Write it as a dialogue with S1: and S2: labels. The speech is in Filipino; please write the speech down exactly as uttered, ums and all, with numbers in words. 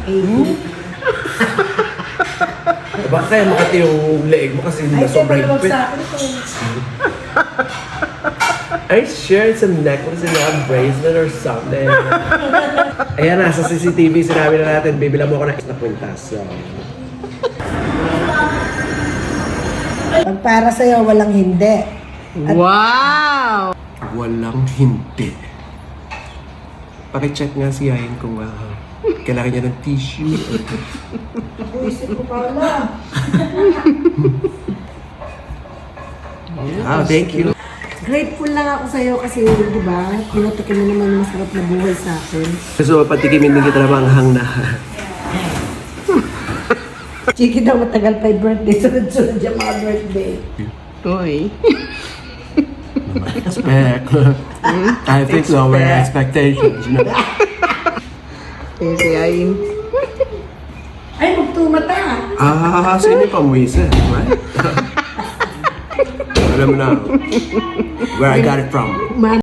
S1: eighty.
S2: Baka kaya makati yung leeg mo kasi na sobrang
S1: Ay,
S2: higpit.
S1: sa akin ito.
S2: I shared some necklace and a bracelet or something. Ayan na, sa C C T V sinabi na natin, bibila mo ako ng na kwintas. So,
S1: Pag para sa'yo, walang hindi.
S3: Wow!
S2: walang hindi. Pakicheck nga si Yayin kung uh, kailangan niya ng tissue.
S1: Isip ko pala.
S2: Ah, thank you.
S1: Grateful lang ako sa'yo kasi, di ba, pinatikin mo naman yung masarap na buhay sa akin.
S2: So, patikimin din kita na manghang na.
S1: Chiki daw matagal pa yung birthday, sunod-sunod yung mga birthday.
S3: Uy.
S2: Expect. I think lower expectations, you know.
S3: Kasi ayin.
S1: Ay, magtumata.
S2: Ah, sino yung pamuisa? Right? Alam mo na, where I got it from.
S1: Man